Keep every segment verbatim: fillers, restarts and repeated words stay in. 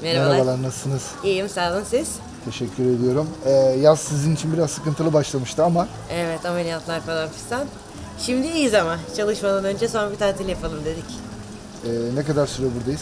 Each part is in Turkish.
Merhabalar. Merhabalar, nasılsınız? İyiyim, sağ olun siz. Teşekkür ediyorum. Ee, yaz sizin için biraz sıkıntılı başlamıştı ama Evet, ameliyatlar falan fistan. Şimdi iyiyiz ama çalışmadan önce son bir tatil yapalım dedik. e, ne kadar süre buradayız?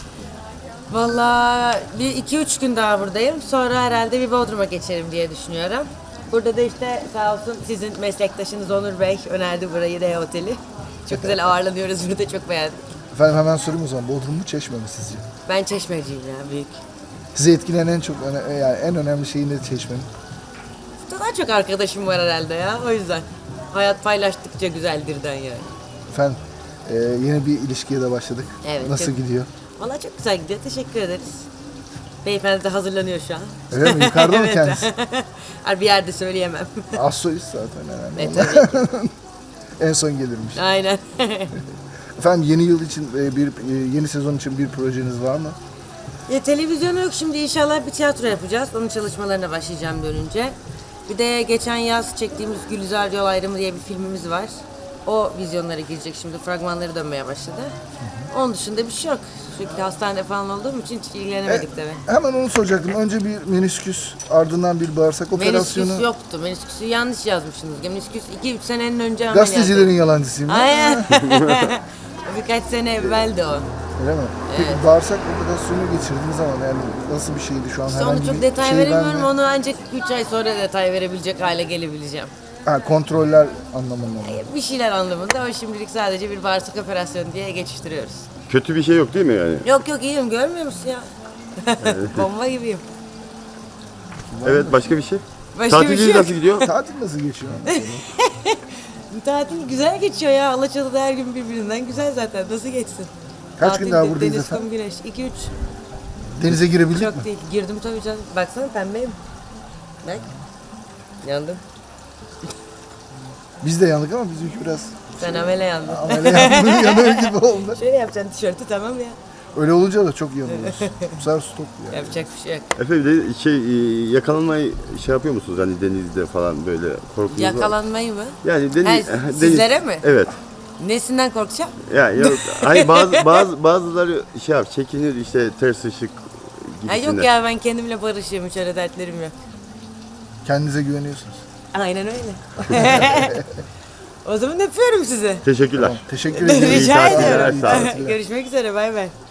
Vallahi bir iki üç gün daha buradayım. Sonra herhalde bir Bodrum'a geçerim diye düşünüyorum. Burada da işte sağ olsun sizin meslektaşınız Onur Bey önerdi burayı, R Oteli. Çok güzel ağırlanıyoruz burada, çok beğendik. Efendim hemen sorayım o zaman. Bodrum mu, Çeşme mi sizce? Ben Çeşmeciyim ya, büyük. Sizi etkileyen en çok öne- yani en önemli şey ne Çeşme'nin? Daha çok arkadaşım var herhalde ya, o yüzden. Hayat paylaştıkça güzeldirden yani. Efendim e, yeni bir ilişkiye de başladık. Evet, Nasıl çok- gidiyor? Vallahi çok güzel gidiyor, teşekkür ederiz. Beyefendi de hazırlanıyor şu an. Öyle mi? Yukarıda mı Evet. kendisi? Hayır, bir yerde söyleyemem. Az soyuz zaten herhalde. Ne tabii ki. En son gelirmiş. Aynen. Efendim yeni yıl için e, bir e, yeni sezon için bir projeniz var mı? Ya, televizyonu yok, şimdi inşallah bir tiyatro yapacağız. Onun çalışmalarına başlayacağım dönünce. Bir de geçen yaz çektiğimiz Gülizar Yol Ayrımı diye bir filmimiz var. O vizyonlara girecek şimdi, fragmanları dönmeye başladı. Onun dışında bir şey yok. Çünkü hastanede falan olduğum için hiç ilgilenemedik E, tabii. Hemen onu soracaktım. Önce bir menisküs, ardından bir bağırsak operasyonu. Menisküs yoktu. Menisküsü yanlış yazmışsınız. Menisküs iki üç senenin önce ameliyat. Gazetecilerin yalancısıyım. ben. Aynen. Birkaç sene evveldi o. Öyle mi? Peki bağırsak operasyonu geçirdiğiniz zaman yani nasıl bir şeydi şu an? İşte herhangi onu çok bir detay şey veremiyorum. verme- Onu ancak üç ay sonra detay verebilecek hale gelebileceğim. Ha, kontroller anlamında. mı? Bir şeyler anlamında ama şimdilik sadece bir bağırsak operasyonu diye geçiştiriyoruz. Kötü bir şey yok değil mi yani? Yok yok, iyiyim, görmüyor musun ya? Bomba gibiyim. Evet, başka bir şey? Başka bir Tatiliniz şey yok. nasıl gidiyor? Tatil nasıl geçiyor? Tatil güzel geçiyor ya. Alaçatı'da her gün birbirinden güzel zaten. Nasıl geçsin? Kaç Tatil, gün daha buradayız deniz, efendim? kum, güneş. iki üç. Denize girebildik mi? Çok değil. Girdim tabii canım. Baksana, pembeyim. Bak. Yandım. Biz de yandık ama bizimki biraz Sen amele yandın. amele yandı, yanıyor gibi oldu. Şöyle yapacaksın tişörtü, tamam ya. Öyle olunca da çok yanıyoruz. Bu sefer stop ya. Yapacak bir şey yok. Efendim de şey e, yakalanmayı şey yapıyor musunuz hani denizde falan böyle korkunuz var? Yakalanmayı mı? Yani deniz, Ha, deniz sizlere mi? Evet. Nesinden korkacağım? Yani yok, hayır bazı bazı bazıları şey yap çekinir işte ters ışık Ha, gibisinden. yok ya, ben kendimle barışıyorum. Hiç öyle dertlerim yok. Kendinize güveniyorsunuz. Aynen öyle. O zaman öpüyorum sizi. Teşekkürler. Teşekkür ederim. Rica tatiller, ediyorum. sağ olun. Görüşmek üzere, bay bay.